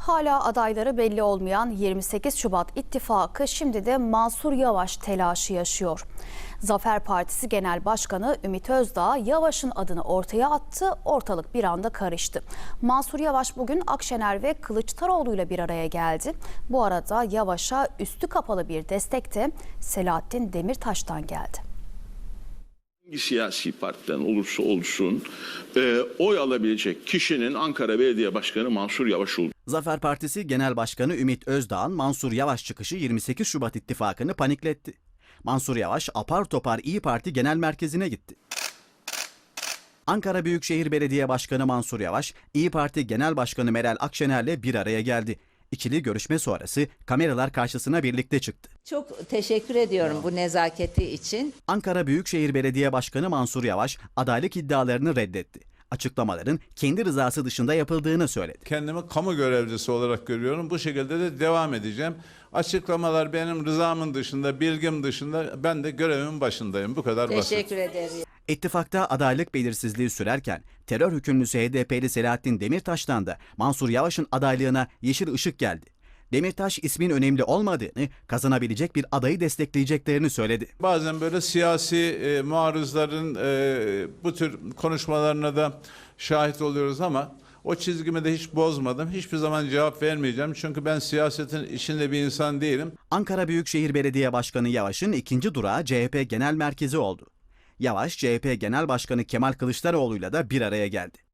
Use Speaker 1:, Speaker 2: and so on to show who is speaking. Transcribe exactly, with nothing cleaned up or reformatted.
Speaker 1: Hala adayları belli olmayan yirmi sekiz Şubat ittifakı şimdi de Mansur Yavaş telaşı yaşıyor. Zafer Partisi Genel Başkanı Ümit Özdağ Yavaş'ın adını ortaya attı, ortalık bir anda karıştı. Mansur Yavaş bugün Akşener ve Kılıçdaroğlu ile bir araya geldi. Bu arada Yavaş'a üstü kapalı bir destek de Selahattin Demirtaş'tan geldi.
Speaker 2: Hangi siyasi partiden olursa olsun e, oy alabilecek kişinin Ankara Belediye Başkanı Mansur Yavaş oldu.
Speaker 3: Zafer Partisi Genel Başkanı Ümit Özdağ'ın Mansur Yavaş çıkışı yirmi sekiz Şubat ittifakını panikletti. Mansur Yavaş apar topar İyi Parti Genel Merkezi'ne gitti. Ankara Büyükşehir Belediye Başkanı Mansur Yavaş, İyi Parti Genel Başkanı Meral Akşener'le bir araya geldi. İkili görüşme sonrası kameralar karşısına birlikte çıktı.
Speaker 4: Çok teşekkür ediyorum bu nezaketi için.
Speaker 3: Ankara Büyükşehir Belediye Başkanı Mansur Yavaş adaylık iddialarını reddetti. Açıklamaların kendi rızası dışında yapıldığını söyledi.
Speaker 5: Kendimi kamu görevlisi olarak görüyorum. Bu şekilde de devam edeceğim. Açıklamalar benim rızamın dışında, bilgim dışında, ben de görevimin başındayım. Bu kadar basit.
Speaker 4: Teşekkür ederim.
Speaker 3: İttifakta adaylık belirsizliği sürerken terör hükümlüsü H D P'li Selahattin Demirtaş'tan da Mansur Yavaş'ın adaylığına yeşil ışık geldi. Demirtaş ismin önemli olmadığını, kazanabilecek bir adayı destekleyeceklerini söyledi.
Speaker 5: Bazen böyle siyasi e, muarızların e, bu tür konuşmalarına da şahit oluyoruz ama o çizgimi de hiç bozmadım. Hiçbir zaman cevap vermeyeceğim. Çünkü ben siyasetin içinde bir insan değilim.
Speaker 3: Ankara Büyükşehir Belediye Başkanı Yavaş'ın ikinci durağı C H P Genel Merkezi oldu. Yavaş, C H P Genel Başkanı Kemal Kılıçdaroğlu'yla da bir araya geldi.